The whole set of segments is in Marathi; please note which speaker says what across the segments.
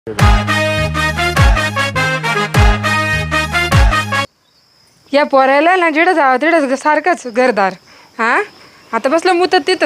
Speaker 1: या पोरायला ना जिडं जावं तिडं सारखंच घरदार. हा आता बसलं मुतत तिथं.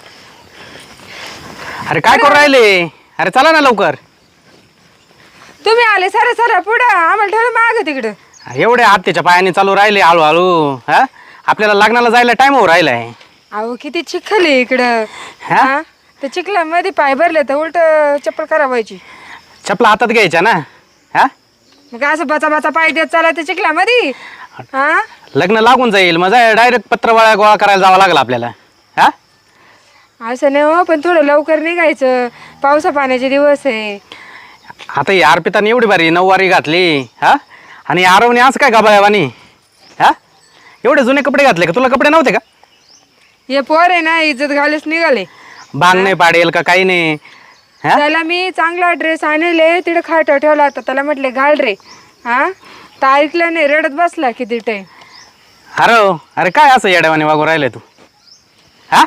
Speaker 2: अरे काय करू राहिले? अरे चला ना लवकर.
Speaker 1: तुम्ही आले सर पुढं आम्हाला ठेवलं मागं तिकडं.
Speaker 2: एवढे आत्याच्या पायाने चालू राहिले हळूहळू. हा आपल्याला लग्नाला जायला टाइम हो राहिलाय.
Speaker 1: अहो किती चिखल आहे इकडं.
Speaker 2: हा?
Speaker 1: हा ते चिखलामध्ये पाय भरले तर उलट चप्पल खराब व्हायची.
Speaker 2: चपला हातात घ्यायच्या ना. हा
Speaker 1: मग असं बचा बचा पाय देत चाला ते चिखलामध्ये. हा
Speaker 2: लग्न लागून जाईल मग डायरेक्ट पत्रवाळ्या गोळा करायला जावं लागलं आपल्याला. हा
Speaker 1: असं नाही हो, पण थोडं लवकर निघायचं. पावसा पाण्याचे दिवस आहे.
Speaker 2: आता ही अर्पिताने एवढी भारी नऊवारी घातली. हा आणि आरवने आज काय गाबाळ्यावानी. हा एवढे जुने कपडे घातले का? तुला कपडे नव्हते का?
Speaker 1: हे पोर आहे ना इज्जत घालच निघाले.
Speaker 2: बांग नाही पाडेल का काही नाही. हा
Speaker 1: त्याला मी चांगला ड्रेस आणले तिकडे खाट ठेवला होता. त्याला म्हटले घाल रे. हा तर ऐकलं नाही, रडत बसला किती टाइम.
Speaker 2: अरे काय असं येड्यावानी वागू राहिले तू? हा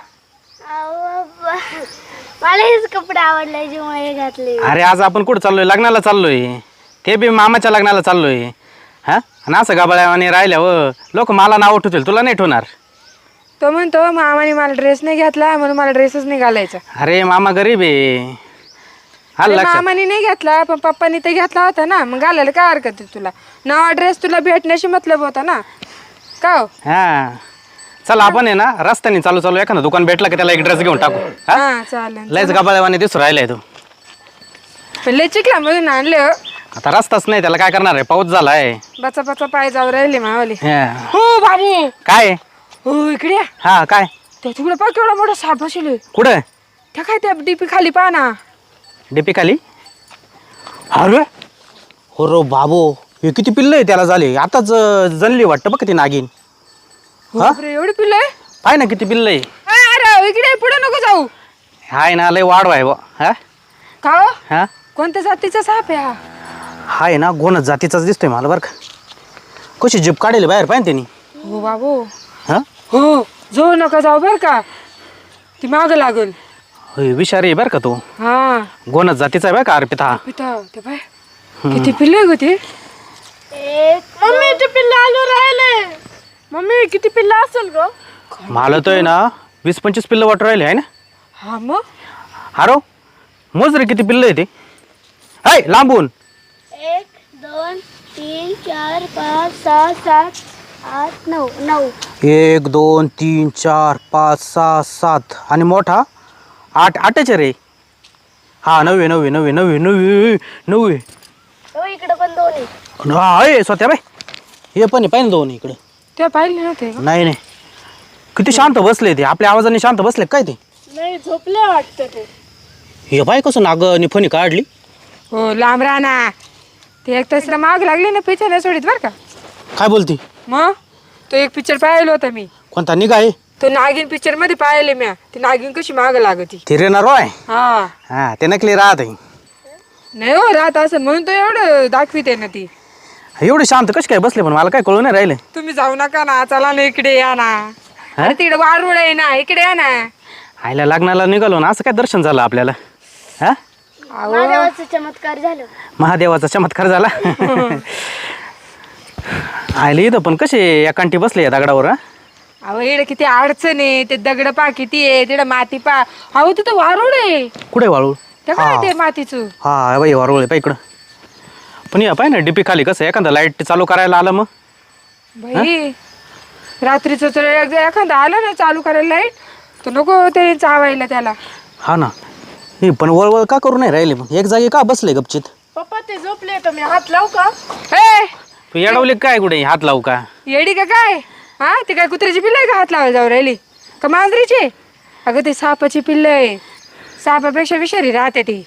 Speaker 3: मला हेच कपडे आवडले जेव्हा घातले.
Speaker 2: अरे आज आपण कुठं चाललोय? लग्नाला चाललोय. ते बी मामाच्या लग्नाला चाललोय. हा आणि असं गाबाळ्यावानी राहिल्या व लोक मला नाव ठेवतील, तुला नाही ठेवणार.
Speaker 1: तो म्हणतो मामाने मला ड्रेस नाही घेतला म्हणून मला ड्रेसच नाही घालायचा.
Speaker 2: अरे मामा गरीब आहे.
Speaker 1: अरे मामाने नाही घेतला पण पप्पानी ते घेतला होता ना, मग घालायला काय हरकत आहे तुला? नवा ड्रेस तुला भेटण्याशी मतलब होता ना का हो?
Speaker 2: हा चल आपण आहे ना रस्त्याने चालू चालू एखादं दुकान भेटलं की त्याला एक ड्रेस घेऊन टाकू.
Speaker 1: हा चालेल.
Speaker 2: लयच गाबाळ्यावानी दिसू राहिलाय तू.
Speaker 1: पण लय चिखला मधून आणले हो.
Speaker 2: आता रस्ताच नाही, त्याला काय करणार आहे? पाऊस झालाय.
Speaker 1: बचा बचा पाय जाऊ राहिले मावाले.
Speaker 2: हा.
Speaker 1: हो बाबू.
Speaker 2: काय?
Speaker 1: हो इकडे या.
Speaker 2: हा काय?
Speaker 1: त्या तिकडे पाय केवढा मोठा साप बसले.
Speaker 2: कुठं?
Speaker 1: त्या काय त्या डीपी खाली पहा ना.
Speaker 2: डीपी खाली? अरे हो रो बाबू, हे किती पिल्ल आहे त्याला झाले. आताच जनली वाटतं बघ ती नागिन.
Speaker 1: बापरे, एवढी पिल्लं आहे?
Speaker 2: पाय ना किती पिल्ल आहे.
Speaker 1: अरे इकडे पुढे नको जाऊ.
Speaker 2: हाय ना लय वाढ आहे. हा
Speaker 1: का हो?
Speaker 2: हा
Speaker 1: कोणत्या जातीचा साप आहे हा?
Speaker 2: हाय ना गोनच जातीचाच दिसतोय मला बरं का. कशी जीप काढेल बाहेर पाहिजे त्यांनी.
Speaker 1: हो बाबू.
Speaker 2: हा
Speaker 1: हो जाऊ नका जाऊ बर का, ती माग लागल.
Speaker 2: होय विषारी आहे बरं का तू.
Speaker 1: हा
Speaker 2: गोनच जातीचा आहे बरं का अर्पिता.
Speaker 1: पिता ते बाय किती पिल्ले ग ते.
Speaker 3: मम्मी ते पिल्ल आलो राहिले. मम्मी किती पिल्ल असेल ग?
Speaker 2: मला तर आहे ना 20-25 पिल्ल वाटू राहिले आहे ना.
Speaker 1: हा मग
Speaker 2: अरे मोज रे किती पिल्ल आहे ते. हाय लांबून.
Speaker 3: 1 2 3 4 5 6 7 8 9 9.
Speaker 2: 1 2 3 4 5 6 7 आणि मोठा 8 रे. हा 9 9 9 9 9 9.
Speaker 3: हो इकडे पण 2 आहे.
Speaker 2: हा आहे स्वतः बाय. हे पण आहे पाहिजे दोन इकडे.
Speaker 1: ते पाहिले नव्हते का?
Speaker 2: नाही नाही किती शांत बसले ते. आपल्या आवाजाने शांत बसले काय ते.
Speaker 3: नाही झोपले वाटतं ते.
Speaker 2: हे बाय कसं नागनी फणी काढली.
Speaker 1: हो लांब राहना. ते एक तसला माग लागली ना पिक्चर नाही सोडित बर का.
Speaker 2: काय बोलती?
Speaker 1: मग तो एक पिक्चर पाहिलं होता मी.
Speaker 2: कोणता निघा आहे?
Speaker 1: तो नागिन पिक्चर मध्ये पाहिले म्या. ती नागिन कशी माग लागती.
Speaker 2: ते रेना रॉय.
Speaker 1: हा
Speaker 2: हा ते नकली राहत आहे.
Speaker 1: नाही हो राहत असं म्हणून तो एवढं दाखविते ना ती.
Speaker 2: एवढे शांत कशी काय बसले पण मला काय कळू नाही राहिले.
Speaker 1: तुम्ही जाऊ नका ना, चला ना इकडे या ना. अरे तिकडे वारुळ आहे ना, इकडे या ना.
Speaker 2: आईला लग्नाला निघालो ना असं काय दर्शन झालं आपल्याला. हा
Speaker 3: महादेवाचा चमत्कार झाला.
Speaker 2: महादेवाचा चमत्कार झाला. आयला इथं पण कसे एकांटी बसले या दगडावर. हा
Speaker 1: अहो इकडे किती अडचण आहे. ते दगड पा किती आहे, तिकडे माती पा. अहो तिथं वारुळ आहे.
Speaker 2: कुठे वाळू?
Speaker 1: ते काय ते मातीचं.
Speaker 2: हा बाई वारुळ आहे पाय इकडं. पण या पाय ना डीपी खाली कसं एखादा लाईट चालू करायला आलं मग.
Speaker 1: भाई रात्रीचं तर एखादा आलं ना चालू करायला लाईट तर नको ते चावायला त्याला.
Speaker 2: हा ना हे पण वळवळ का करू नाही राहिले पण एक जागी का बसले गपचित.
Speaker 3: पप्पा ते झोपले तर मी हात लावू का?
Speaker 1: हे
Speaker 2: तू येडवले काय कुठे हात लावू का?
Speaker 1: येडी का काय? हा ते काय कुत्र्याची पिल्ल आहे का हात लावायला जाऊ राहिली का मांजरीची? अगं ते सापाची पिल्ल आहे. सापापेक्षा विषारी राहते ती.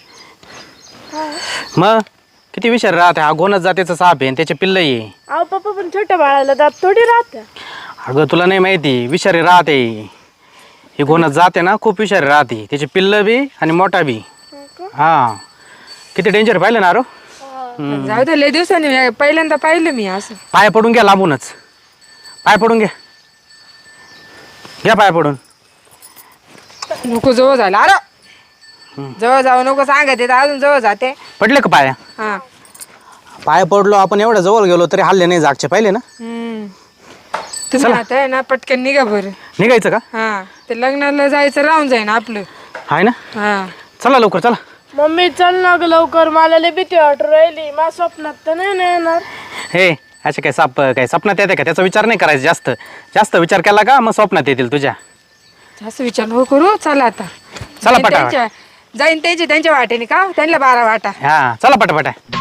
Speaker 2: मग किती विचार राहते. हा गोनच जातीचा साप आहे आणि त्याचे पिल्ल आहे.
Speaker 3: अहो पप्पा पण छोट्या बाळाला दात थोडी राहते.
Speaker 2: अगं तुला नाही माहिती विषारी राहते. ही गोनच जाते ना खूप विषारी राहते. त्याचे पिल्ल बी आणि मोठा बी. हा किती डेंजर पाहिलं ना रो.
Speaker 1: जाऊ दे लय दिवसांनी पहिल्यांदा पाहिलं मी असं.
Speaker 2: पाय पडून घ्या लांबूनच. पाय पडून घ्या. घ्या पाय पडून.
Speaker 1: नको जवळ झाला. अरे जवळ जाऊ नको सांगत येत अजून जवळ जाते.
Speaker 2: पडले का पाया?
Speaker 1: हा.
Speaker 2: पाया पडलो आपण, एवढ्या जवळ गेलो तरी हल्ले नाही जागचे, पाहिले ना.
Speaker 1: तुम्ही आता आहे ना पटकन निघा बरं.
Speaker 2: निघायचं का?
Speaker 1: हा ते लग्नाला जायचं राहून जाईन आपलं.
Speaker 2: आहे ना.
Speaker 1: हा
Speaker 2: चला लवकर चला.
Speaker 4: मम्मी चल ना ग लवकर, मला लय भीती वाटू राहिली. माझ्या स्वप्नात तर नाही ना येणार.
Speaker 2: हे असे काय स्वप्नात येते का? त्याचा विचार नाही करायचा. जास्त जास्त विचार केला का मग स्वप्नात येतील तुझ्या.
Speaker 1: जास्त विचार नको करू. चला आता.
Speaker 2: चला पटापट.
Speaker 1: जाईन त्यांच्या वाटेने का त्यांना 12 वाटा.
Speaker 2: हा चला पटापट.